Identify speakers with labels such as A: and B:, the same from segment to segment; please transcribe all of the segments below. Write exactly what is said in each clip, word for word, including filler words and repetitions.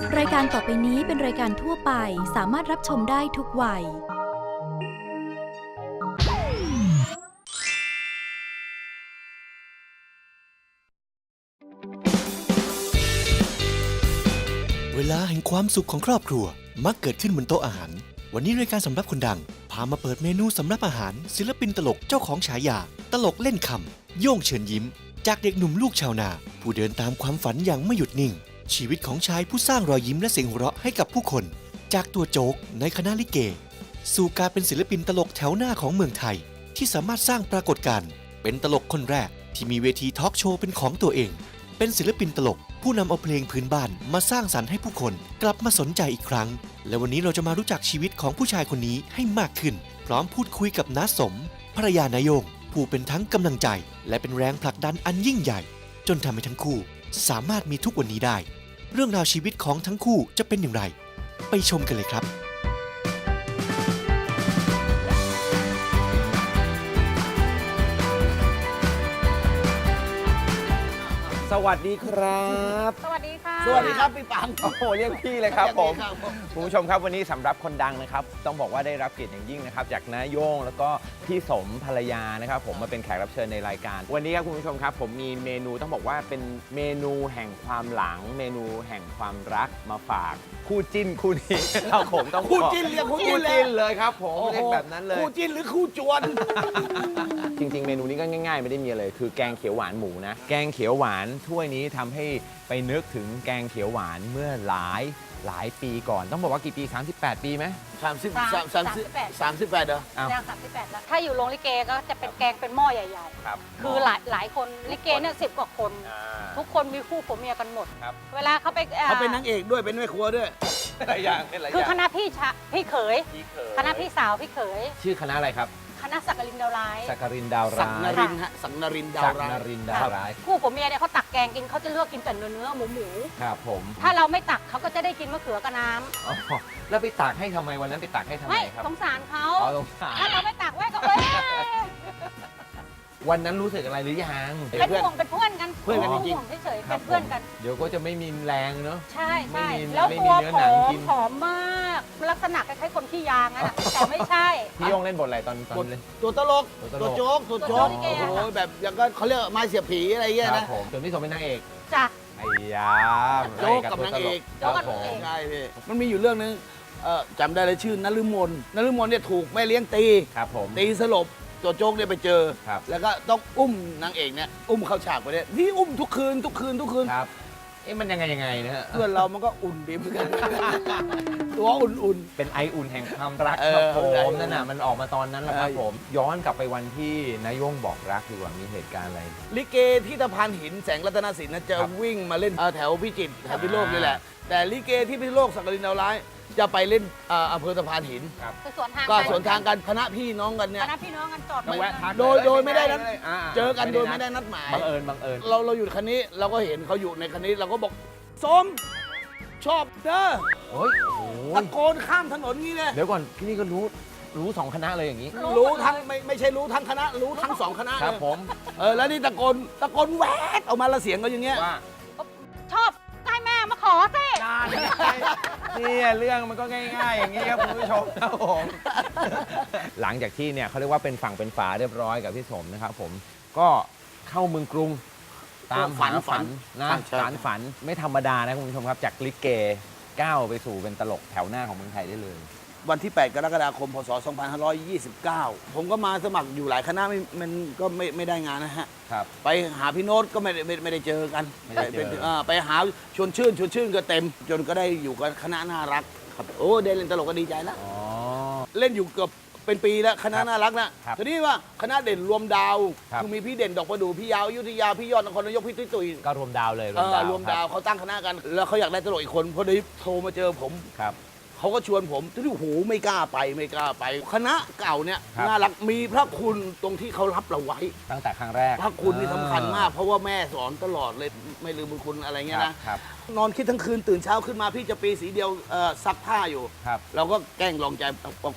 A: รายการต่อไปนี้เป็นรายการทั่วไปสามารถรับชมได้ทุกวัย
B: เวลาแห่งความสุขของครอบครัวมักเกิดขึ้นบนโต๊ะอาหารวันนี้รายการสำรับคนดังพามาเปิดเมนูสำรับอาหารศิลปินตลกเจ้าของฉายาตลกเล่นคำโย่งเชิญยิ้มจากเด็กหนุ่มลูกชาวนาผู้เดินตามความฝันอย่างไม่หยุดนิ่งชีวิตของชายผู้สร้างรอยยิ้มและเสียงหัวเราะให้กับผู้คนจากตัวโจ๊กในคณะลิเกสู่การเป็นศิลปินตลกแถวหน้าของเมืองไทยที่สามารถสร้างปรากฏการณ์เป็นตลกคนแรกที่มีเวทีทอล์กโชว์เป็นของตัวเองเป็นศิลปินตลกผู้นำเอาเพลงพื้นบ้านมาสร้างสรรค์ให้ผู้คนกลับมาสนใจอีกครั้งและวันนี้เราจะมารู้จักชีวิตของผู้ชายคนนี้ให้มากขึ้นพร้อมพูดคุยกับน้าสมภรรยานายโยงผู้เป็นทั้งกำลังใจและเป็นแรงผลักดันอันยิ่งใหญ่จนทำให้ทั้งคู่สามารถมีทุกวันนี้ได้เรื่องราวชีวิตของทั้งคู่จะเป็นอย่างไรไปชมกันเลยครับ
C: สวัสดีครับ
D: สวัสดีค่ะ
E: สวัสดีครับพี่ปัง
C: โอ้โหเรียกพี่เลยครับผม
E: ครับผม
C: คุณผู้ชมครับวันนี้สำหรับคนดังนะครับต้องบอกว่าได้รับเกียรติอย่างยิ่งนะครับจากน้าโย่งแล้วก็พี่สมภรรยานะครับผมมาเป็นแขกรับเชิญในรายการวันนี้ครับคุณผู้ชมครับผมมีเมนูต้องบอกว่าเป็นเมนูแห่งความหลังเมนูแห่งความรักมาฝากคู่จิ้นคู่นี้เราผมต้อง
E: คู่จิ้นเรียกคู่จิ้นเลย
C: จิ้นเลยครับผมเรียกแบบนั้นเลย
E: คู่จิ้นหรือคู่จวน
C: จริงๆเมนูนี้ก็ง่ายๆไม่ได้มีอะไรคือแกงเขียวหวานหมูนะแกงเขียวหวานถ้วยนี้ทำให้ไปนึกถึงแกงเขียวหวานเมื่อหลายหลายปีก่อนต้องบอกว่ากี่ปีสามสิบแปดปีไหม
E: สามสิบสามสามสิบสามสิบแปดเหรอ
C: อ้าว
D: แนวสามสิบแปดแล้วถ้าอยู่โรงลิเกก็จะเป็นแกงเป็นหม้อใหญ่
C: ครับ
D: ๆ คือหลายหลายคนลิเกเนี่ยสิบกว่าคน
C: อ่า
D: ทุกคนมีคู่ผัวเมียกันหมด
C: ครับ
D: เวลาเขาไปอ่
E: เขาเป็นนางเอกด้วยเป็นแม่ครัวด้วย
C: หลายอย่างเป็นหลายอ
D: คือย่าง คณะพี่ชะพี่เขย
C: พี่เขย
D: คณะพี่สาวพี่เขย
C: ชื่อคณะอะไรครับ
D: คณะสักกลินดาวร้าย
C: สักการินดาว
E: สัก
C: ร้าย
E: นรินทร์ฮะสักนรินทร์ดาว
C: สัก
E: ร้าย
C: นรินดาวร้าย
D: คู่ผัวเมียเนี่ยเขาตักแกงกินเขาจะเลือกกินแต่เนื้อเนื้อหมูหมู
C: ครับผม
D: ถ้าเราไม่ตักเขาก็จะได้กินมะเขือกับน้
C: อ๋อแล้วไปตักให้ทำไมวันนั้นไปตักให้ทำ
D: ำ
C: ไม
D: ไม่
C: ครับ
D: สงสารเขา
C: อ๋อสงสาร
D: ถ้าเราไม่ตักไว้ก็เอ้ย
C: วันนั้นรู้สึกอะไรหรือยัง
D: เป็นห่วงเป็นเพื่อนกัน
E: เพื่อนกันจริง
D: ห่วงเฉยๆ
C: ครั
D: เป็
C: บ
D: นเพื่อนกัน
C: ผมเดี๋ยวก็จะไม่มีแรงเนอะ
D: ใช่ใช่
C: ไม่มี
D: แล้ว
C: ไม่
D: ตั
C: มี
D: ว
C: เนื้อ
D: ผ
C: หนัง
D: อม
C: กิน
D: ผอมมากลักษณะคล้ายๆคนขี้ยางอะ แต่ไม่ใช่
C: พี่โยงเล่นบทอะไรตอนตอนเล่น
E: ตัวตลก
C: ตัวตลก
E: ตัวโจ๊กตัวโจ๊ก
D: ตัวโจ๊กลิเก
E: โอ้
D: อะ
E: โหแบบอย่างก็เขาเรียกไม้เสียบผีอะไรเงี้ย
C: ครั
E: นะ
C: บผมส่วนพี่สมเป็นนางเอก
D: จ้ะ
C: ไอ้ยา
E: โจ๊กกับนางเอก
D: โจ๊กกับนางเอก
E: ใช่พี่มันมีอยู่เรื่องนึงเอ่อจำได้เลยชื่อนฤมลนฤมลเนี่ยถูกแม่เลี้ยงตี
C: ครับผม
E: ตีสลบตัวโจ๊กเนี่ยไปเจอ
C: ครับ
E: แล้วก็ต้องอุ้มนางเอกเนี่ยอุ้มเข้าฉากไปเนี่ยนี่อุ้มทุกคืนทุกคืนทุกคืน
C: ครับเอ๊ะมันยังไงยังไงนะฮะ
E: เพื่อนเรามันก็อุ่นดีเหมือนกัน ตัวอุ่น
C: เป็นไออุ่นแห่งความรัก
E: เอ
C: ครั
E: อบ
C: ผ
E: ไออุ่
C: ม
E: น
C: นั่นน่ะมันออกมาตอนนั้นแหละครับ
E: เออ
C: ผม ย้อนกลับไปวันที่นายโยงบอกรักดีกว่ามีเหตุการณ์อะไร
E: ๆลิเกที่ตะพานหินแสงรัตนสินนะจะ
C: ครับ
E: วิ่งมาเล่นเอ่อแถวพิจิตรแถวพิษณุโลก
C: อ่านี่
E: นี่แหละ แต่ลิเกที่พิษณุโลกสักกลินดาวร้ายจะไปเล่นเอ่ออำเภอตะพานหิน
D: คือสวนทาง
E: ก็
D: ไป
E: สวนทางกันคณะพี่น้องกันเนี่
D: ค
E: ย
D: ณะพี่น้องกันจอด
C: ต้องแวะทัก
E: โดยโดยไม่ได้นัด
C: อ่า
E: เจอกันโดยไม่ได้นัดหมาย
C: บังเอิญบังเอิญ
E: เราเราอยู่คันนี้เราก็เห็นเขาอยู่ในคันนี้เราก็บอกสมชอบเด้อ
C: โอ้ยโอ้โห
E: ตะโกนข้ามถนนงี้เลย
C: เดี๋ยวก่อนที่นี่ก็รู้รู้สองคณะเลยอย่างนี้
E: รู้ทั้งไม่ไม่ใช่รู้ทั้งคณะ รู้ทั้งสองคณะ
C: ค
E: เล
C: รับ
E: ย
C: ผม
E: เออแล้วนี่ตะโกนตะโกนแหวกออกมาและเสียงก็อย่างเงี้ย
C: ว่า
D: ชอบใกล้แม่มาขอสิ
C: เนี่ยเรื่องมันก็ง่ายๆ อย่างนี้ครับคุณผู้ชมครับผมหลังจากที่เนี่ยเขาเรียกว่าเป็นฝั่งเป็นฝาเรียบร้อยกับพี่สมนะครับผมก็เข้าเมืองกรุงตามหาฝันนะสารฝันไม่ธรรมดานะคุณผู้ชมครับจากลิเกก้าวไปสู่เป็นตลกแถวหน้าของเมืองไทยได้เลย
E: วันที่ แปด กรกฎาคม พศ สองพันห้าร้อยยี่สิบเก้า ผมก็มาสมัครอยู่หลายคณะไม่มันก็ไม่ไม่ได้งานนะฮะ
C: ครับ
E: ไปหาพี่โน้ตก็ไม่ได้ไม่ไม่ได้เจอกัน
C: ไม่ได้เจอ
E: ปปาไปหาชวนชื่นชวนชื่นก็เต็ม จนก็ได้อยู่กับคณะน่ารักครับโอ้ได้เล่นตลกก็ดีใจแล้ว
C: อ๋อ
E: เล่นอยู่เกือบเป็นปีแล้วคณะน่ารักนะครับ ทีนี้ว่าคณะเด่นรวมดาว
C: ครับ
E: คือมีพี่เด่นดอกประดู่พี่ยาวอยุธยาพี่ยอดนครนายกพี่ตุ้ยตุ้ย
C: ก็รวมดาวเลย
E: เออรวมดาว
C: ค
E: เขาตั้งคณะกัน แล้วเขาอยากได้ตลกอีกคนพอดีโทรมาเจอผม
C: รับ
E: เขาก็ชวนผมที่โอ้โหไม่กล้าไปไม่กล้าไป คณะเก่าเนี่ย
C: ครับ
E: น่ารักมีพระคุณตรงที่เขารับเราไว้
C: ตั้งแต่ครั้งแรก
E: พระคุณนี่สำคัญมาก เพราะว่าแม่สอนตลอดเลยไม่ลืมบุญคุณอะไรเงี้ย
C: ครับ
E: นะครับ นอนคิดทั้งคืนตื่นเช้าขึ้นมาพี่จะปีสีเดียวเอ่อซักผ้าอยู่
C: ครับ
E: เราก็แกล้งลองใจบอกพี่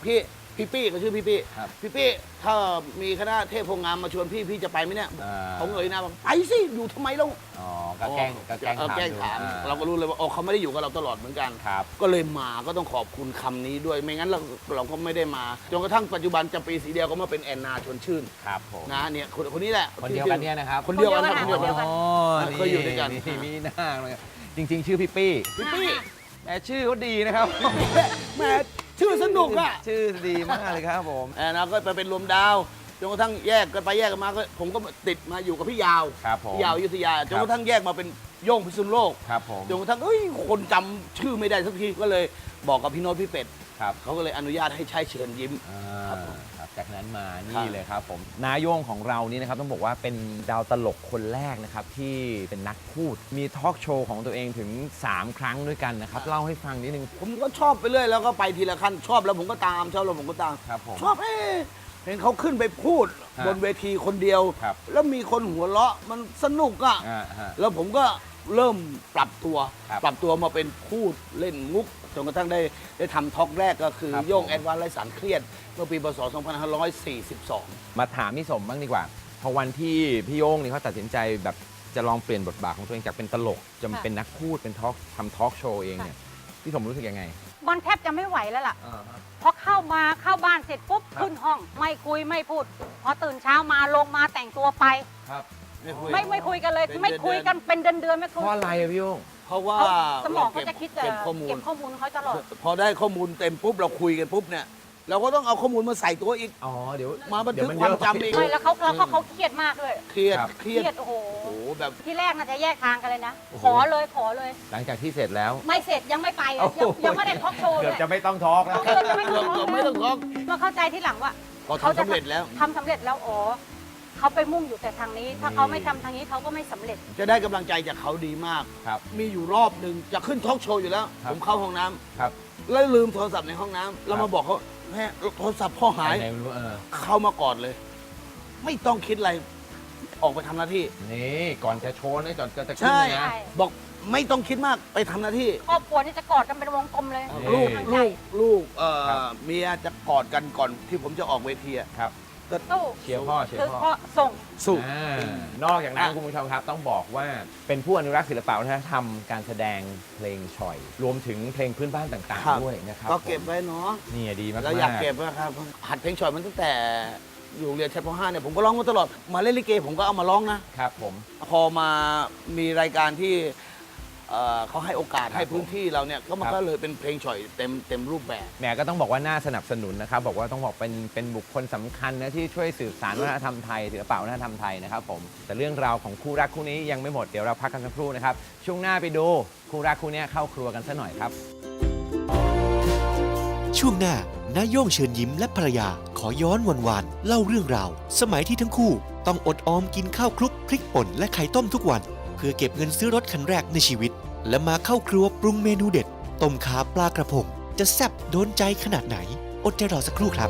E: พี่ปี้เขาชื่อพี่ปี้
C: ครับ
E: พี่ปี้ถ้ามีคณะเทพโพงามมาชวนพี่พี่จะไปไหมเนี่ย
C: อ่า
E: ผมเอ่ยหนะบอกไปสิอยู่ทำไมเรา
C: อ๋อก็แกล้งก็แกล้ง
E: เออ
C: ถาม
E: แกล้งถาม
C: ดูอ่
E: เราก็รู้เลยว่าอ๋อเขาไม่ได้อยู่กับเราตลอดเหมือนกัน
C: ครับ
E: ก็เลยมาก็ต้องขอบคุณคำนี้ด้วยไม่งั้นเราเราก็ไม่ได้มาจนกระทั่งปัจจุบันจำปีสีเดียวก็มาเป็นแอนนาชวนชื่น
C: ครับผม
E: นะเนี่ยคนคนนี้แหละ
C: คนเดียวกันเนี่ยนะครับ
E: คนเดียวกันครับ
D: ค
E: คน น
D: เดี
E: เดี
D: ย
E: ยว ว
D: กั
E: กัน น
C: อ๋อ
E: เคยอยู่ด้วยกัน
C: นี่มีหน้าเลยจริง ๆ ชื่อพี่ปี้
E: พี่ปี้
C: แต่ชื่อเขาดีนะครับ
E: แหมชื่อสนุกอ่ะ
C: ชื่อดีมากเลยครับผม
E: แอนนาก็ไปเป็นรวมดาวจนกระทั่งแยกกันไปแยกกันมาก็ผมก็ติดมาอยู่กับพี่ยาว
C: ครับผม
E: พี่ยาวอยุธยาจนกระทั่งแยกมาเป็นโย่งพิษณุโลก
C: ครับผม
E: จนกระทั่งเอ้ยคนจำชื่อไม่ได้สักทีก็เลยบอกกับพี่โน้ตพี่เป็ด
C: ครับ
E: เขาก็เลยอนุญาตให้ใช้เชิญยิ้ม
C: อ่า
E: ครับผม
C: ครับจากนั้นมา
E: ครั
C: นี่
E: บ
C: เลยครับผมนาโย่งของเรานี่นะครับต้องบอกว่าเป็นดาวตลกคนแรกนะครับที่เป็นนักพูดมีทอล์กโชว์ของตัวเองถึง สาม ครั้งด้วยกันนะครับเล่าให้ฟังนิดนึง
E: ผมก็ชอบไปเรื่อยแล้วก็ไปทีละขั้นชอบแล้วผมก็ตามชอบแล้วผมก็ตาม
C: ครับผม
E: ชอบเอ๊ะเห็นเขาขึ้นไปพูด
C: ฮะ
E: บนเวทีคนเดียว
C: ครับ
E: แล้วมีคนหัวเราะมันสนุกอ่ะ
C: อ่าฮะ
E: แล้วผมก็เริ่มปรับตัว
C: ครับ
E: ปรับตัวมาเป็นพูดเล่นมุกจนกระทั่งได้ได้ทำทอล์กแรกก็คือ
C: ครับ
E: โย่ง
C: ผม
E: แอดวานซ์ไร้สารเครียดเมื่อปีพศสองพันห้าร้อยสี่สิบสอง
C: มาถามพี่สมบ้างดีกว่า พอวันที่พี่โย่งนี่เขาตัดสินใจแบบจะลองเปลี่ยนบทบาทของตัวเองจากเป็นตลกจะมา
D: ค่ะ
C: เป็นนักพูดเป็นทอล์กทำทอล์กโชว์เองเนี่ยพี่สมรู้สึกยังไง
D: มันแทบจะไม่ไหวแล้วล่ะพอเข้ามาเข้าบ้านเสร็จปุ๊บขึ้นห้อง ไม่คุยไม่พูด พอตื่นเช้ามาลงมาแต่งตัวไป
C: ครับ
D: ไม่ไม่คุยกันเลย
E: เป็น
D: ไม่คุยกันเป็นเดือนเดือนๆไม่
C: เพ
D: คุย
C: ราะอะไรอะพี่โย่ง
E: เพราะว่า
D: เขาสมอง
E: ร
D: เขาจะคิดจะ
E: เก็บข้อมูล
D: เก็บข้อมูลเขาตลอด
E: พอได้ข้อมูลเต็มปุ๊บเราคุยกันปุ๊บเนี่ยเราก็ต้องเอาข้อมูลมาใส่ตัวอีก
C: อ๋อเดี๋ยว
E: มาบันทึก
C: เดี๋ย
E: ความ
C: เยอะ
E: จำอีก
D: ไม่แล้วเขาแล้วเขาเขาเครียดมากด้วย
E: เครียด
C: ครับ
E: เค
D: เค
E: รี
D: รี
E: ยด
D: ยดโอ้โห
E: โอ้โหแบบ
D: ที่แรกน่าจะแยกทางกันเลยนะ
C: โอ้โห
D: ขอเลยขอเลย
C: หลังจากที่เสร็จแล้ว
D: ไม่เสร็จยังไม่ไปเลยยังยังไม่ได้ทอล์กโชว์เล
C: เกื
D: ย
C: อบจะไม่ต้องทอล์กแล้ว
D: เกือบจะไม่
E: เกือบ
D: ทอล์ก
E: ไม่ต้องท้อง
D: มาเข้าใจที่หลังว่า
E: พอทำสำเร็จแล้ว
D: ทำสำเร็จแล้วอ๋อเขาไปมุ่งอยู่แต่ทางนี้ ถ้าเขาไม่ทำทางนี้เขาก็ไม่สำเร็จ
E: จะได้กำลังใจจากเขาดีมาก
C: ครับ
E: มีอยู่รอบหนึ่งจะขึ้นทอล์กโชว์อยู่แล้ว
C: ครับ
E: ผมเข้าห้องน้ำ
C: ครับ
E: แล้วลืมโทรศัพท์ในห้องน้ำแล้ว
C: ครั
E: มา
C: บ
E: บอกเขาแม่โทรศัพท์พ่อหาย
C: ไหนๆไม่รู้เออ
E: เข้ามากอดเลย ไม่ต้องคิดอะไรออกไปทำหน้าที่
C: นี่ก่อนจะโชว์นี่ก่อนจะจะขึ้น
E: ใช่
C: นะ
D: ใช่
E: บอกไม่ต้องคิดมากไปทำหน้าที่
D: ครอบครัวนี่จะกอดกันเป็นวงกลมเลย
C: นี่
E: ลูก
D: กำลังใจ
E: ลูกลูกเอ่อ
C: ครับ
E: เมียจะกอดกันก่อนที่ผมจะออกเวทีอะ
C: ครับ
D: สู้
C: เชียร์พ่อเชีย
D: คือ
C: ร์พ่อ
D: พ่อส่ง
E: สู้
C: อ่านอกจากนั้น
E: อ่ะ
C: คุณผู้ชมครับต้องบอกว่าเป็นผู้อนุรักษ์ศิลปะวัฒนธรรมการแสดงเพลงฉ่อย รวมถึงเพลงพื้นบ้านต่าง
E: ครับ
C: ๆด้วยนะครับ
E: ก็เก็บ
C: ผม
E: ไว้เนาะ
C: นี่ดีมากๆ
E: เราอยากเก็บนะครับหัดเพลงฉ่อยมันตั้งแต่อยู่โรงเรียนชั้นป .ห้า เนี่ยผมก็ร้องมาตลอดมาเล่นลิเกผมก็เอามาร้องนะ
C: ครับผม
E: พอมามีรายการที่เอ่อเขาให้โอกาส
C: ครับ
E: ให้พื้นที่เราเนี่ยก็มัน
C: ครับ
E: ก็เลยเป็นเพลงฉ่อยเต็มเต็มรูปแบบ
C: แหมก็ต้องบอกว่าน่าสนับสนุนนะครับ บอกว่าต้องบอกเป็นเป็นบุคคลสำคัญนะที่ช่วยสืบสานวัฒนธรรมไทยศิลปะวัฒนธรรมไทยนะครับผมแต่เรื่องราวของคู่รักคู่นี้ยังไม่หมดเดี๋ยวเราพักกันสักครู่นะครับช่วงหน้าไปดูคู่รักคู่นี้เข้าครัวกันซะหน่อยครับ
B: ช่วงหน้านาโย่งเชิญยิ้มและภรรยาขอย้อนวันวานเล่าเรื่องราว สมัยที่ทั้งคู่ต้องอดออมกินข้าวคลุกพริกป่นและไข่ต้มทุกวัน เพื่อเก็บเงินซื้อรถคันแรกในชีวิต และมาเข้าครัวปรุงเมนูเด็ดต้มขาปลากระพง จะแซ่บโดนใจขนาดไหน อดใจรอสักครู่ครับ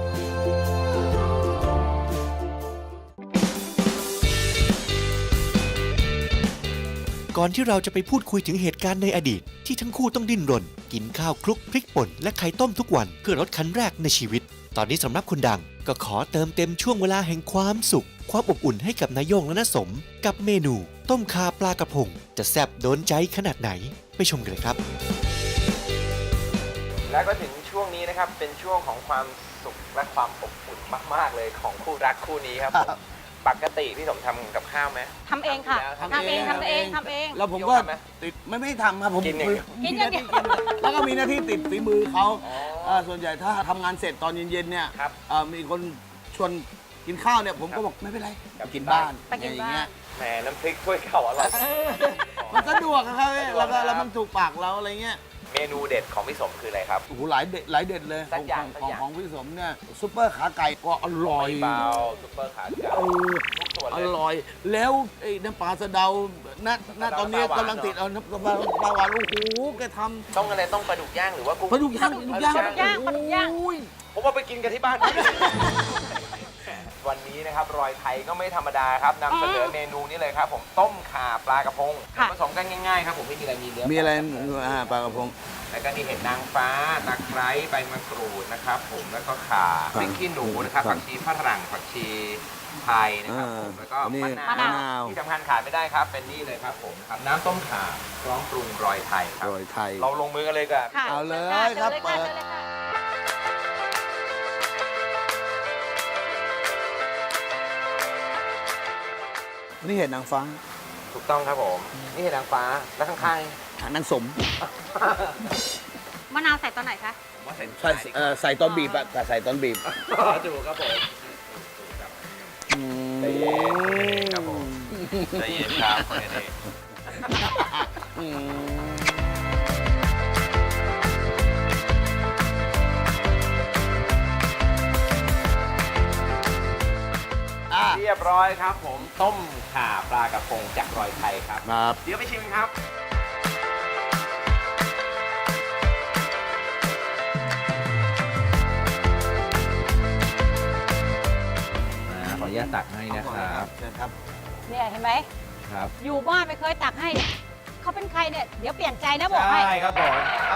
B: ก่อนที่เราจะไปพูดคุยถึงเหตุการณ์ในอดีต ที่ทั้งคู่ต้องดิ้นรน กินข้าวคลุกพริกป่นและไข่ต้มทุกวันเพื่อรถคันแรกในชีวิต ตอนนี้สำหรับคนดังก็ขอเติมเต็มช่วงเวลาแห่งความสุข ความอบอุ่นให้กับนายโย่งและน้าสม กับเมนู ต้มข่าปลากระพง จะแซ่บโดนใจขนาดไหน ไปชมกันเลยครับ
C: และก็ถึงช่วงนี้นะครับเป็นช่วงของความสุขและความอบอุ่นมากๆเลยของคู่รักคู่นี้ครับผมปกติพี่สมทำกับข้าวไหม
D: ทำเองค่ะ
C: ทำ
D: ทำเอง
E: ทำ
D: ทำ
E: เอ
D: เอง งทำเอง
E: แล้วผมก็
C: โยมทำไหม
E: ติดไม่ไม่ได้ทำครับผม
C: กินอย่างเดียว
E: มี
D: กินอ
E: ห
D: ย่า
E: น้าง
D: เดี
E: ที่
D: ยว
E: กินแล้วก็มีหน้าที่ติดฝีมือเขาเอ่อส่วนใหญ่ถ้าทำงานเสร็จตอนเย็นๆเนี่ย
C: ครับ
E: เอ่อมีคนชวนกินข้าวเนี่ยผมก็บอกไม่เป็นไร
C: กลับ
E: กินบ้าน
D: ไปกิน
E: อย่าง
D: บ้าน
E: เงี้ย
C: แหมน้ำพริกถ้วยเข่าอร่อย
E: มันสะดวกอะครับ
C: สะดวก
E: แล้วก็
C: นะครับ
E: แล้วมันถูกปากเราอะไรเงี้ย
C: เมนูเด็ดของพี่สมคืออะไรครับ
E: โอ้โหหลายเด็ดหลายเด็ดเลย
C: สักอย่าง
E: ของ
C: สักอย่าง
E: ของพี่สมเนี่ยซุปเปอร์ขาไก่ก็อร่อย
C: เบาซุปเปอร์ขาเขียว
E: เออ
C: ทุกส่วน
E: อ
C: เลย
E: ร่อย แล้วไอ้น้ำปลาสะเดาณณตอนนี้
C: น้ำปลาหวาน
E: กำลังติดเอาน้ำปลาปลาหวานโอ้โหแกท
C: ต้องอะไรต้องปลาดุกย่างหรือว่ากุ้ง
E: ำปลาดุกย่างปลาดุกย่าง
D: ปลาดุกย่างปลาดุกย่าง
E: โอ้ย
C: ผมว่าไปกินกันที่บ้าน วันนี้นะครับรอยไทยก็ไม่ธรรมดาครับนำเสนอเมนูนี้เลยครับ ผมต้มข่าปลากระพง
D: ค่ะ
C: ผสมกันง่ายๆครับผมไม่มีอะไรมีเนื้อ
E: มีอะไรอ่าปลากระพง
C: แล้วก็นี่เห็ดนางฟ้าตะไคร้ใบมะกรูดนะครับผมแล้วก็ข่าพริกขี้หนูนะครับผักชีฝรั่งผักชีไทยนะครับผมแล้วก็
E: อันนี้
C: มะ
E: มะ
C: นาน
E: าว ว
C: ที่สำคัญขาดไม่ได้ครับ เป็นนี่เลยครับผมครับน้ำต้มข่าพร้อมปรุงรอยไทยครับ
E: โรยไทย
C: เราลงมือกันเลยกับ
D: ค่ะ
E: เอาเลย
D: ชิญ
E: ครับ
D: เชิญ
E: เปิด
D: เชิญเลยค่ะ
E: นี่เห็ดนางฟ้า
C: ถูกต้องครับผมนี่เห็ดนางฟ้าแล้วข้าง
E: หางนางสม
D: มะนาวใส่ตอนไหนคะ
C: ๆผมว่าใส่
E: ใส่เอ่อใส่ตอนบีบอะแต่ใส่ตอนบีบ
C: ถูกครับผม
E: อืม
C: ใจเย็นครับผม ใจเย็นครับคนนี้
E: อืมอ่ะ
C: เรียบร้อยครับผมต้มข่าปลากระพงจากรอยไทยครับ
E: ครับ
C: เดี๋ยวไปชิมครับอ่าขออนุญาตตักให้นะครับ
E: นะครับ
D: เนี่ยเห็นไหม
C: ครับ
D: อยู่บ้านไม่เคยตักให้เนี่ยเขาเป็นใครเนี่ย เดี๋ยวเปลี่ยนใจนะบอกให้
C: ใช่ครับผม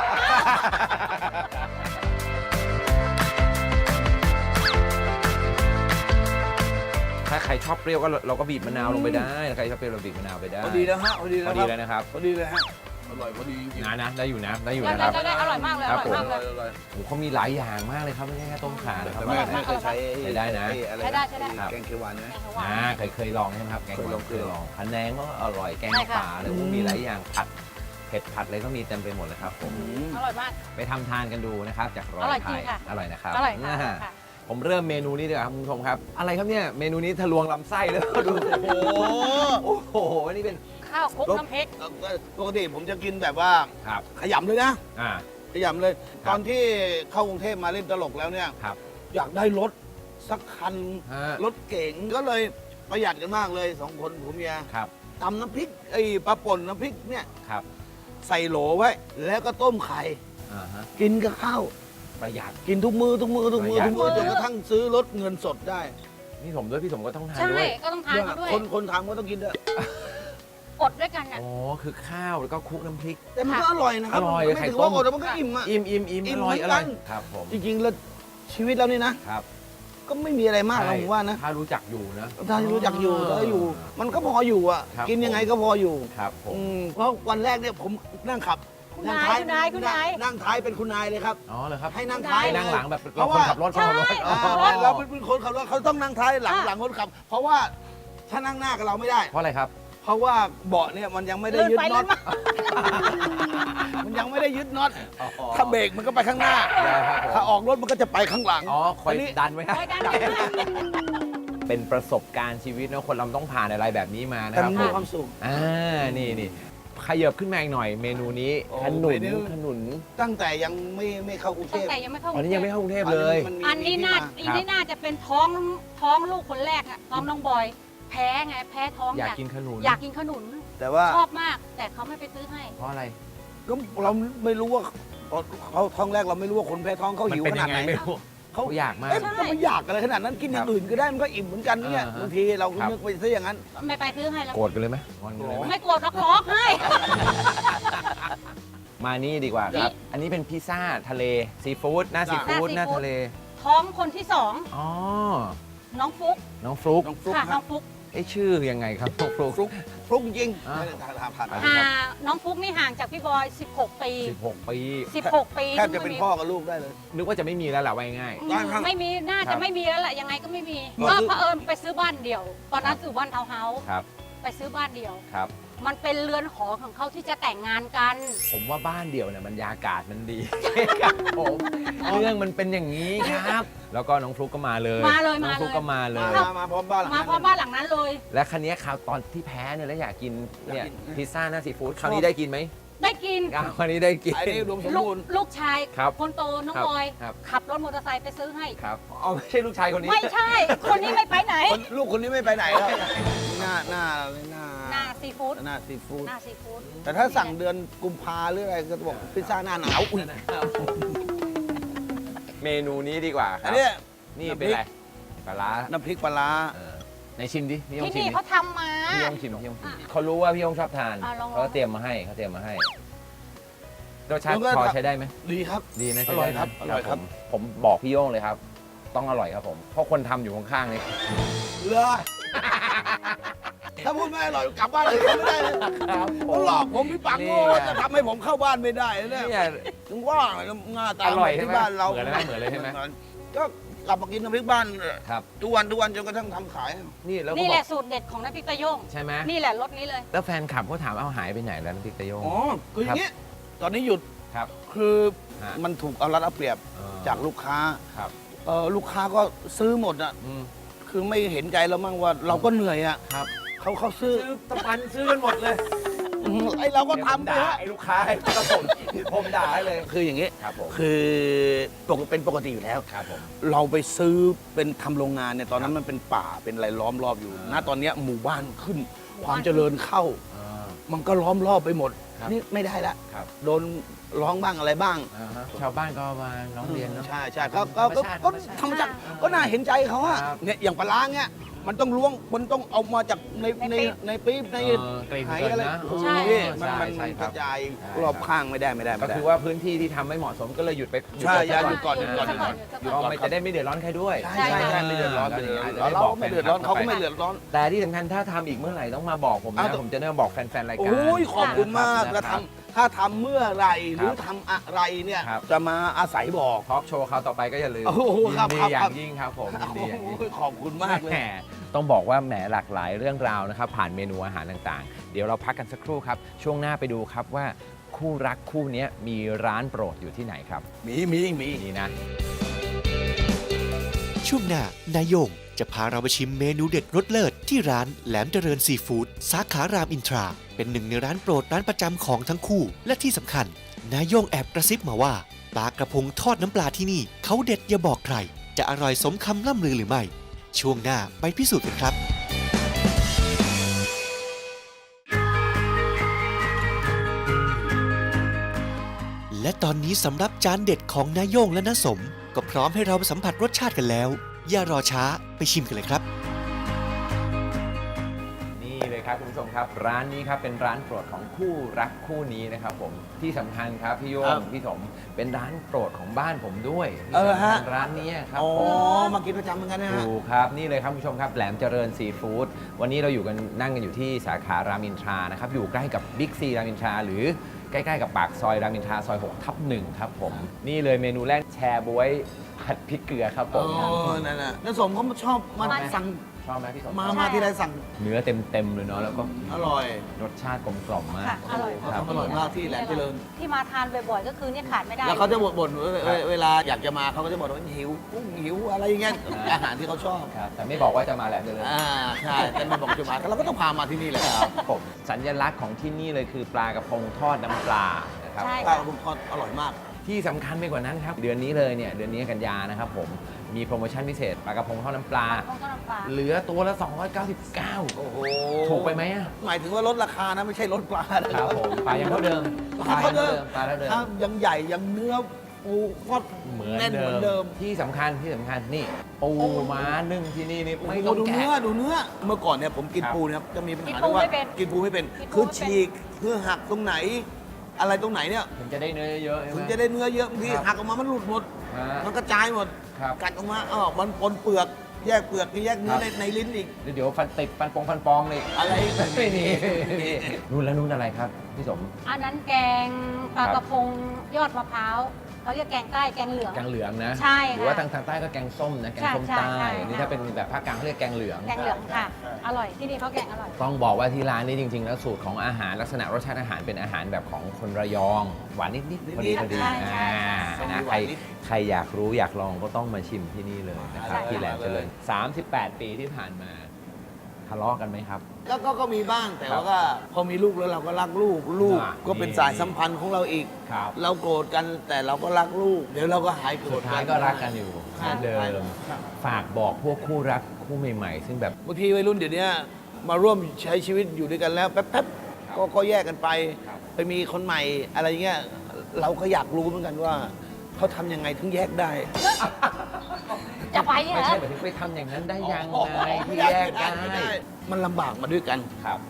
C: ถ้าใครชอบเปรี้ยวก็เราก็บีบมะนาวลงไปได้ถ้าใครชอบเปรี้ยวเราบีบมะนาวไปได้
E: พอดีแล้วฮะพอดี
C: พ
E: แล้
C: อ
E: ว
C: ดี
E: ครับ
C: เลยนะครับ
E: พอดีเลยฮะอร่อยพอดีจริง
C: นะนะได้อยู่นะได้อยู่
D: ได้
C: นะครับ
D: ได้ได้อร่อยมากเลย
C: ค
D: อ
C: รับ
D: ร่อย
C: ผม
D: มากเลย
E: อร่อย
C: โอ้โหเขามีหลายอย่างมากเลยครับไม่ใช่แค่ต้มข่านะครับ
E: แต่ไม่ไม่เคยใช้
C: ใช้ได้นะ
E: อ้อะไร
D: ใช้ได้ใช้ได้
E: แกงเขียวหวานไหม
C: อ่าเคยเคยลองใช่ไหมครับแกง
E: เคยลอง
C: เคยลองพะแนงก็อร่อยแกง
D: ใช่ค่ะ
C: ป่าเลยโอ้โหมีหลายอย่างผัดเผ็ดผัดอะไรก็มีเต็มไปหมดเลยครับผม
D: อร่อยมาก
C: ไปทำทานกันดูนะครับจากรอ
D: อร่อย
C: ยไท
D: จริ
C: ย
D: งค่ะ
C: อร่อยนะครับ
D: อร่อยค่ะ
C: อ่า
D: ค่ะ
C: ผมเริ่มเมนูนี้ดีกว่าครับคุณผู้ชมครับ อะไรครับเนี่ยเมนูนี้ทะลวงลำไส้เลยดูโอ้โหโอ้โหนี่เป็น
D: ข้าวคลุกน้ำพริก
E: เอ่อปกติผมจะกินแบบว่า
C: ครับ
E: ขยำเลยนะ
C: อ่า
E: ขยำเลย
C: ครับ
E: ตอนที่เข้ากรุงเทพมาเล่นตลกแล้วเนี่ย
C: ครับ
E: อยากได้รถสักคัน
C: ฮะ
E: รถเก๋งก็เลยประหยัดกันมากเลยสองคนผัวเมีย
C: ครับ
E: ตำน้ำพริกไอ้ปลาป่นน้ำพริกเนี่ย
C: ครับ
E: ใส่โหลไว้ แล้วก็ต้มไข่
C: อ่าฮะ
E: กินกับข้าว
C: ประหยัด
E: กินทุกมือทุกมือทุกมือ
C: ประหยัด
E: ทุกมือจนกระทั่งซื้อรถเงินสดได้
C: พี่สมด้วยพี่สมก็ต้องทาน
D: ใช่
C: ด้วย
D: ก็ต้องทานเขาด้วย
E: คนคนทำก็ต้องกินด้วย
D: อดด้วยกันน่ะ
C: อ๋อคือข้าวแล้วก็คลุกน้ำพริก
E: แต่มันก็อร่อยนะครับ
C: อร่อย
E: ไม่
C: ไข่
E: ถือ
C: ต้
E: ว่าม อดแล้วมันก็อิ่มอ่ะ
C: อิ่มอิ่มอิ่ม
E: อิ่
C: อ
E: ม
C: ร่อย
E: เหมื
C: อ
E: อนกั
C: ร่อย
E: น
C: ครับผม
E: จริงๆแล้วชีวิตเรานี่นะ
C: ครับ
E: ก็ไม่มีอะไรมากนะ
C: ใช่
E: ผมว่านะ
C: ถ้ารู้จักอยู่นะ
E: ถ้ารู้จักอยู่ถ้าอยู่ มันก็พออยู่อ่ะ
C: ครับ
E: กินยังไงก็พออยู่
C: ครับผม
E: อืมเพราะวันแรกเนี่ยผมนั่งขับ
D: คุณ
E: นั่ง
D: นายคุณนายคุณนาย
E: นั่งท้ายเป็นคุณนายเลยครับ
C: อ๋อเหรอครับ
E: ให้นั่ง
D: ได้
E: ท้าย
C: ให้นั่งหลังแบบ
E: เพ
C: เรา
E: ราะ
C: คน
E: ว่า
C: ขับรถคนขับรถ
D: ใช่
E: อ่า
C: อ๋อ
E: เราเป็นคนขับรถเขาต้องนั่งท้ายหลัง
D: อ่ะ
E: หลังคนขับ เพราะว่าถ้านั่งหน้ากับเราไม่ได้
C: เพราะอะไรครับ
E: เพราะว่าเบาะเนี่ยมันยังไม่ได้
D: เลื่อน
E: ยึด
D: ไป
E: น็
D: เลื่
E: อ
D: อ
E: ต
D: นมา
E: มันยังไม่ได้ยึดน็อตถ้าเบรกมันก็ไปข้างหน้า
C: ได้ครับผม
E: ถ้าออกรถมันก็จะไปข้างหลัง
C: อ๋อคอย
E: อันนี้
C: ดันไว้ครับ
D: ไว้ด้านหน้า
C: เป็นประสบการณ์ชีวิตนะคนเราต้องผ่านอะไรแบบนี้มานะ
E: แต่
C: ครับ
E: มันมีความสุข
C: อ่านี่นี่ขยับขึ้นมาอีกหน่อยเมนูนี้
E: โอ้
C: ขนุ
E: เม
C: น
E: นู
C: ขนุน
E: ตั้งแต่ยังไม่ไม่เข้ากรุงเท
D: ตั้ง
E: พ
D: แต่ยังไม่เข้า
C: อันนี้ยังไม่เข้ากรุงเทพเลย
E: มันมี
D: อันนี้น่า
E: มีที่
D: อันนี้น่าจะเป็นท้องท้องลูกคนแรกอะท้องน้องบอย แพ้ไงแพ้ท้อง
C: อยากกินขนุน
D: อยากกินขนุน
E: แต่ว่า
D: ชอบมาก แต่เขาไม่ไปซื้อให้
C: เพราะอะไร
E: ก็เราไม่รู้ว่าตอนเขาท้องแรกเราไม่รู้ว่าคนแพ้ท้องเขา
C: มัน
E: หิว
C: เป็น
E: ข
C: ยั
E: นาด
C: งไง
E: ไหน
C: ไม่รู้
E: เขา
C: เขาอยากมาก
E: เอ๊ะมันจะไม่อยากอะไรขนาดนั้นกินอย่างอื่นก็ได้มันก็อิ่มเหมือนกันเนี่ย
C: อ่าฮะ
E: บางทีเรา
C: ครับ
E: นึกไปซะอย่างนั้น
D: ไม่ไปซื้อให้แล้ว
C: โกรธกันเลยไหมงอนกันเลยไหม
D: ไม่กลัวเขาร้องให้
C: มานี่ดีกว่าครับ อันนี้เป็นพิซซ่าทะเลซีฟู้ดหน้าซีฟู้ดหน้าทะเล
D: ท้องคนที่สอง
C: อ๋อ
D: น้องฟุก
C: น้องฟลุ๊ก
E: น้องฟลุ๊ก
D: ค่ะ
E: ฮะ
D: น้องฟุก
C: ไอยชื่อยังไงครับน้องฟลุ๊ก
E: ฟลุ๊กฟลุ๊กจริง
C: อ่า
E: ไม่ได้ทานผ่าน
C: อ่า
E: ไป
D: อ่าน้องฟุกนี่ห่างจากพี่บอย สิบหก ปี
C: สิบหกปี
D: สิบหก ปี
E: แทบจะเป็นพ่อกับลูกได้เลย
C: นึกว่าจะไม่มีแล้วแหละว่าง่าย
D: อืม
E: ได้ครับ
D: ไม่มีน่า
C: ครั
D: จะ
C: บ
D: ไม่มีแล้วแหละยังไงก็ไม่มี
E: ก็
D: ก็
E: คือ
D: เผอิญไปซื้อบ้านเดี่ยว ตอนนั้นอยู่บ้านทาวน์เฮาส์
C: ครับ
D: ไปซื้อบ้านเดี่ยว
C: ครับ
D: มันเป็นเรือนหอของเขาที่จะแต่งงานกัน
C: ผมว่าบ้านเดี่ยวเนี่ยบรรยากาศมันดี ครับผมเรื่องมันเป็นอย่างนี้ครับ แล้วก็น้องฟลุ๊กก็มาเลย
D: มาเลย
C: น้อง
D: มาเลย
C: ฟลุ๊กก็มาเล
E: มาย มามาพร้อมบ้านหลัง
D: มา
E: นั้น
D: เพราะบ้านหลังนั้นเลย
C: และคันนี้คราวตอนที่แพ้เนี่ยแล้วอยากกินเนี่ย
E: อยากกิน
C: พิซซ่าหน้าซีฟู้ดคราวนี้ได้กินไหม
D: ได้กิน
C: อ้าวคราวนี้ได้กิน
E: ไอ้นี่รวมสม
D: ลูก
E: บูรณ์
D: ลูกชาย
C: ครับ
D: คนโตน้อง
C: ครับ
D: บอย
C: ครับ
D: ขับรถมอเตอร์ไซค์ไปซื้อให้
C: ครับอ๋อไม่ใช่ลูกชายคนนี้
D: ไม่ใช่ คนนี้ไม่ไปไหน
E: คนลูกคนนี้ไม่ไปไหนครับหน้าหน้าหน้า
D: หน้าซีฟู้ด
E: หน้าซีฟู้ด
D: หน้าซีฟู้ด
E: แต่ถ้าสั่งเดือนกุมภาหรืออะไรก็จะบอกพิซซ่าหน้าหนาวอุ้ย
C: เมนูนี้ดีกว่าค
E: อั
C: รั
E: น
C: บ
E: เนี้ย
C: นี่เป็นอะไรปลาร้า
E: น้ำพริกปลาร้า
C: เออในชิมดิพี่ยง
D: ที่
C: ชิม
D: นี่
C: ดิ
D: เขาทำมา
C: พี่ยงชิมพี่ยงชิมเขารู้ว่าพี่ยงชอบทาน
D: อ่ะลองๆ
C: เขาเตรียมมาให้เขาเตรียมมาให้รสชาติ
E: แล้วก็
C: พอใช้ได้ไหม
E: ดีครับ
C: ดีนะ
E: อ
C: ใช้
E: ร่อย
C: ได้
E: ครับอร่อยครับ
C: ผมผมบอกพี่โย่งเลยครับ ต้องอร่อยครับผมเพราะคนทำอยู่ข้างๆนี่
E: เลยถ้าพูดไม่อร่อยกลับบ้านเลยไม่ได้เลย
C: ครับผ
E: เขา
C: ม
E: หลอกผมพี่ปัง
C: นี่
E: โง่
C: ไง
E: จะทำให้ผมเข้าบ้านไม่ได้เนี่ย
C: เนี่ย
E: ถึงว่าหน้าตา
C: อร่อยใช่ไหม
E: ที่บ้านเรา
C: เหมือนเลยไหมเหมือนเลยใช่ไหม
E: ก็กลับมากินน้ำพริกบ้าน
C: ครับ
E: ทุกวันทุกวันจนกระทั่งทำขาย
C: นี่แล้วก็
D: นี่
C: บ
D: แห
C: อ
D: ละ
C: ก
D: สูตรเด็ดของน้ำพริกตะโยง
C: ใช่ไหม
D: นี่แหละรสนี้เลย
C: แล้วแฟนคลับเขาถามเอาหายไปไหนแล้วน้ำพริกตะโยง
E: อ๋อคืออย่างนี้ตอนนี้หยุด
C: ครับ
E: คือ
C: ฮะ
E: มันถูกเอารัดเอาเปรียบ
C: เออ
E: จากลูกค้า
C: ครับ
E: เออลูกค้าก็ซื้อหมดอ่ะ
C: อืม
E: คือไม่เห็นใจเรามั่งว่าเราก็เหนื่อยอ่ะ
C: ครับ
E: เขาเขาซื้อ
C: ซื้อตะปันซื้อกันหมดเลย
E: อืมไอเราก็ทำไป
C: ด่า
E: ฮะ
C: ไอ้ลูกค้าครับผมผมด่าให้เลย
E: คืออย่างนี้
C: ครับผม
E: คือปกติเป็นปกติอยู่แล้ว
C: ครับผม
E: เราไปซื้อเป็นทำโรงงานเนี่ยตอนนั้นมันเป็นป่าเป็นอะไรล้อมรอบอยู่
C: อ่า
E: ณตอนเนี้ยหมู่บ้านขึ้น ความเจริญเข้า
C: อ่า
E: มันก็ล้อมรอบไปหมด
C: ครับ
E: นี่ไม่ได้ละ
C: ครับ
E: โดนร้องบ้างอะไรบ้าง
C: อ่าฮะชาวบ้านก็มาร้องเรียนเนาะ
E: ใช่ใช่ก็ก็ก็ก็ธรรมชาติก็น่าเห็นใจเขาอะ
C: ครับ
E: เนี่ยอย่างปลาร้าเนี่ยมันต้องล้วงมันต้องเอามาจากในในในปี๊บใน
C: เออกลิ่น
E: ไห
C: เกิน
E: อะไร
C: นะ
E: โอ้โห
D: ใช่
E: มันมัน
C: ใช่
E: มัน
C: ค
E: ก
C: รับ
E: ระจาย
C: ใช่
E: รอบข้างไม่ได้ไม่ได้
C: ก็
E: ไม่ได้
C: คือว่าพื้นที่ที่ทำไม่เหมาะสมก็เลยหยุดไป
E: ใช่
C: ไป
E: อย่าหยุดก่อนหยุดก่อน
D: หยุดก่อน
E: หยุด
C: ก็
E: ก่อน
C: ไม่จะได้ไม่เดือดร้อนใครด้วย
E: ใช่ใช่ใช่ไม่เดือดร้อนไม่เดือดร้อนเราก็ไม่เดือดร้อนเขาก็ไม่เดือดร้อน
C: แต่ที่สำคัญถ้าทำอีกเมื่อไหร่ต้องมาบอกผม
E: อ้าว
C: นะ
E: แต่
C: ผมจะได้มาบอกแฟนๆรายการ
E: โอ้ยขอบคุณมาก
C: นะ
E: แล้ว
C: ครับ
E: ทำถ้าทำเมื่อไหรหรือ
C: ครับ
E: ทำอะไรเนี่ย
C: ครับ
E: จะมาอาศัยบอก
C: ทอล์กโชว์คราวต่อไปก็อย่าลืม
E: โอ้โห
C: ยิ
E: ครับ
C: นดี
E: ครับ
C: อย่า
E: ครับ
C: งยิ่งครับผมยินดีอย่างยิ่ง
E: โอ้ยขอบคุณมากเลย
C: แหมต้องบอกว่าแหมหลากหลายเรื่องราวนะครับ ผ่านเมนูอาหารต่างๆ เดี๋ยวเราพักกันสักครู่ครับ ช่วงหน้าไปดูครับว่าคู่รักคู่นี้มีร้านโปรดอยู่ที่ไหนครับ
E: มีมีมี
C: นี่นะ
B: ช่วงหน้านายโยงจะพาเราไปชิมเมนูเด็ดรสเลิศที่ร้านแหลมเจริญซีฟู้ดสาขารามอินทรา เป็นหนึ่งในร้านโปรดร้านประจำของทั้งคู่ และที่สำคัญ นายโยงแอบกระซิบมาว่าปลากระพงทอดน้ำปลาที่นี่เขาเด็ดอย่าบอกใคร จะอร่อยสมคำล่ำลือหรือไม่ ช่วงหน้าไปพิสูจน์กันครับ และตอนนี้สำหรับจานเด็ดของนายโยงและน้าสม ก็พร้อมให้เราสัมผัสรสชาติกันแล้ว อย่ารอช้าไปชิมกันเลยครับ
C: นี่เลยครับคุณผู้ชมครับ ร้านนี้ครับเป็นร้านโปรดของคู่รักคู่นี้นะครับผมที่สำคัญครับพี่โย
E: ครั
C: ง
E: บ
C: พี่สมเป็นร้านโปรดของบ้านผมด้วย
E: เออฮะ
C: ที่สำคัญร้านนี้ครับ
E: อ๋อ
C: ผม
E: มากินประจำเหมือนกันนะฮะ
C: ถูกครับนี่เลยครับคุณผู้ชมครับแหลมเจริญซีฟู้ดวันนี้เราอยู่กันนั่งกันอยู่ที่สาขารามอินทรานะครับอยู่ใกล้กับบิ๊กซีรามอินทราหรือใกล้ๆกับปากซอยรามอินทราซอยหกทับหนึ่งครับผมนี่เลยเมนูแรกแชร์บวยผัดพริกเกลือครับผ
E: โอ้
C: ม
E: นั่นน่ะน้าสมเขาชอบมาสั่ง
C: ชอบไหมพี่สม
E: มามาที่ไรสั่ง
C: เนื้อเต็มๆเลยเนาะแล้วก็
E: อร่อย
C: รสชาติกลมกล่อมมาก
D: ค่ะอร่อย
C: ครับ
E: อร่อยมากที่แหลมเจริญ
D: ที่มาทานบ่อยๆ ก็คือเนี่ยขาดไม่ได้
E: แล้วเขาจะบ่นบ่นเวเวลาอยากจะมาเขาก็จะบอกว่าหิวกุ้งหิวอะไรอย่างเงี้ยอาหารที่เขาชอบ
C: ครับแต่ไม่บอกว่าจะมาแหลมเจริญ
E: อ่าใช่แต่ไม่บอกจะมาเราก็ต้องพามาที่นี่แหละ
C: ครับผมสัญลักษณ์ของที่นี่เลยคือปลากระพงทอดน้ำปลานะครับ
D: ใช่
E: ปลา
D: ค่ะ
E: กระพงทอดอร่อยมาก
C: ที่สำคัญไปกว่านั้นครับ เดือนนี้เลยเนี่ย เดือนนี้กันยานะครับผม มีโปรโมชั่นพิเศษปลากระพงทอดน้ำปลา
D: ต้องต้มน้ำปลา
C: เหลือตัวละ สองร้อยเก้าสิบเก้า
E: โอ้โห
C: ถูกไปไหมอะ
E: หมายถึงว่าลดราคานะไม่ใช่ลดปลานะครับ
C: ผมปลายังเท่าเดิม
E: ปลาเท่าเดิม
C: ปลาเท่าเดิม
E: ถ้ายังใหญ่ยังเนื้อปูทอด
C: เหมือน
E: แน่น
C: เดิ
E: เหมือนเดิ
C: ม
E: ม
C: ที่สำคัญที่สำคัญนี่ปูม้านึ่งที่นี่นี่
E: โอ้
C: ไม่
E: โห
C: ต้อง
E: ดู
C: แกะ
E: เนื้อดูเนื้อเมื่อก่อนเนี่ยผมกิน
C: ครับ
E: ปูเนี่ยจะมีปัญหา
D: กินปู
E: เรื่องว่า
D: ไม่เป็น
E: กินปูไม่เป็น
D: กินปู
E: คือ
D: ไม่เป็น
E: ฉีกคือหักตรงไหน อะไรตรงไหนเนี่ย
C: ถึงจะได้เนื้อเยอะๆใช่ไหม
E: ถึงจะได้เนื้อเยอะบางที
C: ครับ
E: หักออกมามันหลุดหมด
C: ฮะ
E: มันกระจายหมด
C: ครับ
E: กัดออกมาอ๋อมันปนเปลือกแยกเปลือกแยกเนื้อ
C: ครับ
E: ในในลิ้นอีก
C: เดี๋ยวฟันติดฟันปองฟันปองเลย
E: อะไร
C: ไม่มีนู่นแล้วนู่นอะไรครับพี่สม
D: อันนั้นแกงปลากระพงยอดมะพร้าวเขาเรียกแกงใต้แกงเหลือง
C: แกงเหลืองนะ
D: ใช่ค่ะ
C: หรือว่าทางทางใต้ก็แกงส้มนะ แกงส้ม
D: ใช่
C: ใต้
D: ใช่
C: นี่
D: ใช่
C: ถ้าเป็นแบบภาคกลางเขาเรียกแกงเหลือง
D: แกงเหลืองค่ะ อร่อยที่นี่เขาแกงอร่อย
C: ต้องบอกว่าที่ร้านนี้จริง ๆ แล้วสูตรของอาหารลักษณะรสชาติอาหารเป็นอาหารแบบของคนระยอง หวานนิดๆพอดีพอดี
D: ใช่ใช่
C: อ่า
D: ใช่
C: นะใครใครอยากรู้อยากลองก็ต้องมาชิมที่นี่เลยนะครับ
D: ใช่
C: ที่แหลมเจริญสามสิบแปด ปีที่ผ่านมาทะเลาะกันไหมครับ
E: ก็ก็ก็มีบ้างแต่ว่าก็พอมีลูกแล้วเราก็รักลูกลูก
C: อ่า
E: ก็เป็นสายสัมพันธ์ของเราอีก
C: ครับ
E: เราโกรธกันแต่เราก็รักลูก เดี๋ยวเราก็หายโกร
C: สุ
E: ธ
C: ดท้ายก็รักกันอยู่เหมือนเดิม
E: ครับ
C: ฝากบอกพวกคู่รักคู่ใหม่ๆ ซึ่งแบบ
E: บางทีวัยรุ่นเดี๋ยวนี้มาร่วมใช้ชีวิตอยู่ด้วยกันแล้วแป๊บๆก็ก็แยกกันไป
C: ครับ
E: ไปมีคนใหม่อะไรเงี้ยเราก็อยากรู้เหมือนกันว่าเขาทำยังไงถึงแยกได้
D: จะไปเหร
C: ไม่
D: อ
C: ใช่แบบที่ไปทำอย่างนั้นได้ยังไงที่แยกได้
E: มันลำบากมาด้วยกัน
C: ครับ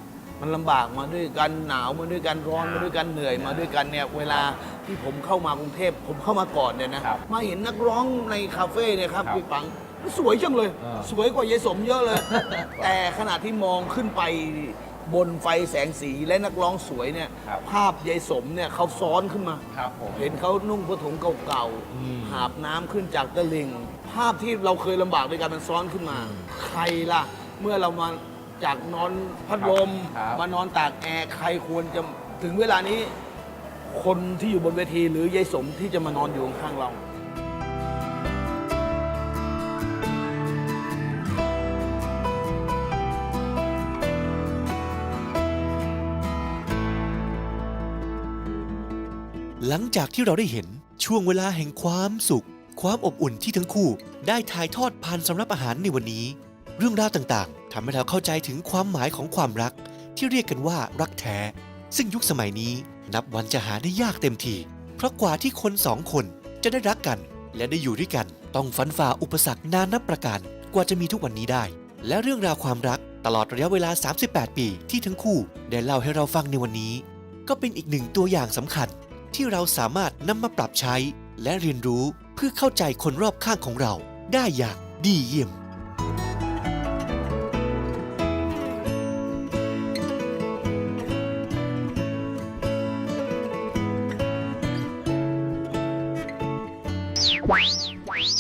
E: มันลำบากมาด้วยกันหนาวมาด้วยกันร้อนมาด้วยกันเหนื่อยมาด้วยกันเนี่ยเวลาที่ผมเข้ามากรุงเทพผมเข้ามาก่อนเนี่ยนะครับ มาเห็นนักร้องในคาเฟ่เนี่ยครับ
C: ครับ
E: พี่ปังสวยจังเลย
C: อ่า
E: สวยกว่ายายสมเยอะเลย แต่ขณะที่มองขึ้นไปบนไฟแสงสีและนักร้องสวยเนี่ย
C: ครับ
E: ภาพยายสมเนี่ยเขาซ้อนขึ้นมา
C: ครับผม
E: เห็นเขานุ่งผ้าถุงเก่า
C: อืม
E: ๆหาบน้ำขึ้นจากตะลิง ภาพที่เราเคยลำบากด้วยกันมันซ้อนขึ้นมา ใครล่ะ เมื่อเรามาจากนอนพัดลม
C: ครับ
E: มานอนตากแอร์ใครควรจะถึงเวลานี้ คนที่อยู่บนเวทีหรือยายสมที่จะมานอนอยู่ข้างๆเรา
B: หลังจากที่เราได้เห็นช่วงเวลาแห่งความสุข ความอบอุ่นที่ทั้งคู่ได้ถ่ายทอดผ่านสำรับอาหารในวันนี้ เรื่องราวต่างๆทำให้เราเข้าใจถึงความหมายของความรักที่เรียกกันว่ารักแท้ ซึ่งยุคสมัยนี้นับวันจะหาได้ยากเต็มทีเพราะกว่าที่คนสองคนจะได้รักกัน และได้อยู่ด้วยกันต้องฟันฝ่าอุปสรรคนานับประการกว่าจะมีทุกวันนี้ได้ และเรื่องราวความรักตลอดระยะเวลา สามสิบแปด ปีที่ทั้งคู่ได้เล่าให้เราฟังในวันนี้ ก็เป็นอีกหนึ่งตัวอย่างสำคัญ ที่เราสามารถนำมาปรับใช้และเรียนรู้เพื่อเข้าใจคนรอบข้างของเราได้อย่างดีเยี่ยม
F: Wow.